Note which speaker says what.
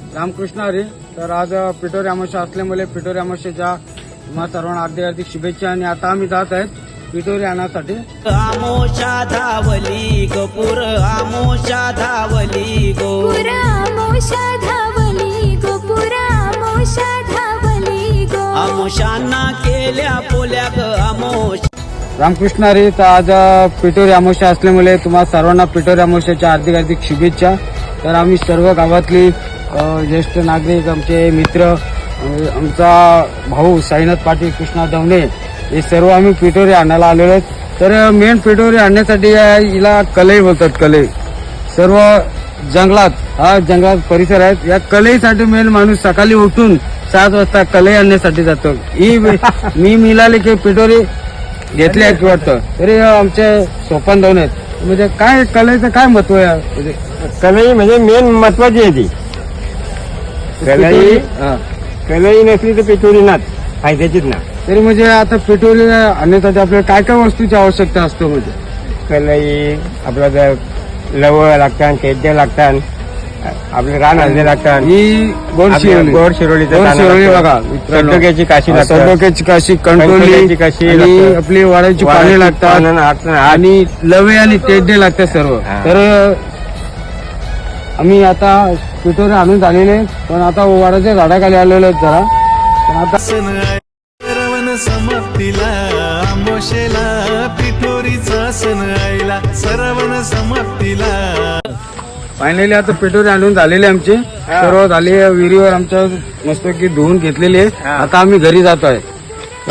Speaker 1: रामकृष्ण हरी. तर आज पिठोरी अमावस्या असल्यामुळे पिठोरी अमावस्येच्या तुम्हा सर्वांना हार्दिक शुभेच्छा. आणि आता आम्ही जात आहेत पिठोरी आणण्यासाठी.
Speaker 2: आमोशा धावली गोपुर आमोशा धावली गो
Speaker 3: आमोशा धावली गो आमोशा धावली गो
Speaker 2: आमोशांना केल्या पोल्या ग आमोश.
Speaker 1: रामकृष्ण हरी. तर आज पिठोरी अमावस्या असल्यामुळे तुम्हा सर्वांना पिठोरी अमावस्येच्या हार्दिक शुभेच्छा. तर आम्ही सर्व गावातली ज्येष्ठ नागरिक, आमचे मित्र, आमचा भाऊ साईनाथ पाटील, कृष्णा दवणे, हे सर्व आम्ही पिठोरी आणायला आलेलो आहेत. तर मेन पिठोरी आणण्यासाठी हिला कलई बोलतात. कलई सर्व जंगलात, हा जंगलात परिसर आहेत. या कलईसाठी मेन माणूस सकाळी उठून 7 वाजता कलई आणण्यासाठी जातो. ही मी मिळाली की पिठोरी घेतली आहे वाटतं. तरी आमचे सोपान दवणे आहेत. म्हणजे काय कलेचं काय महत्व आहे? म्हणजे
Speaker 4: कलई म्हणजे मेन महत्वाची आहे ती. कलई नसली तर पिठोरी नाच फायद्याचीच ना.
Speaker 1: तरी म्हणजे आता पिठोरी आणण्यासाठी आपल्याला काय काय वस्तूची आवश्यकता असतो? म्हणजे
Speaker 4: कलई आपल्याला लवळ लागतात, खेड्या लागतात, आपले रान हलदे लागतात.
Speaker 1: ही गोड शिरोली,
Speaker 4: गोड शिरोली
Speaker 1: बघा,
Speaker 4: सडोक्याची काशी लागतात,
Speaker 1: सडोक्याची काशी, कंटोली
Speaker 4: काशी,
Speaker 1: आणि आपली वाड्याची पाने लागतात, आणि लवे आणि टेड्डे लागतात सर्व. तर आम्ही आता पिठोरी आणून झालेले, पण आता वाड्याच्या झाडाखाली आलेलो आहेत जरा. पण आता
Speaker 5: सरवन समाप्तीला आमोशेला पिठोरीचा सण आईला सरवन समाप्तीला.
Speaker 1: फायनली आता पिठोरी आणून झालेली आमची सर्व झाली. विहिरीवर आमच्या मस्तपैकी धुवून घेतलेली आहे. आता आम्ही घरी जातोय.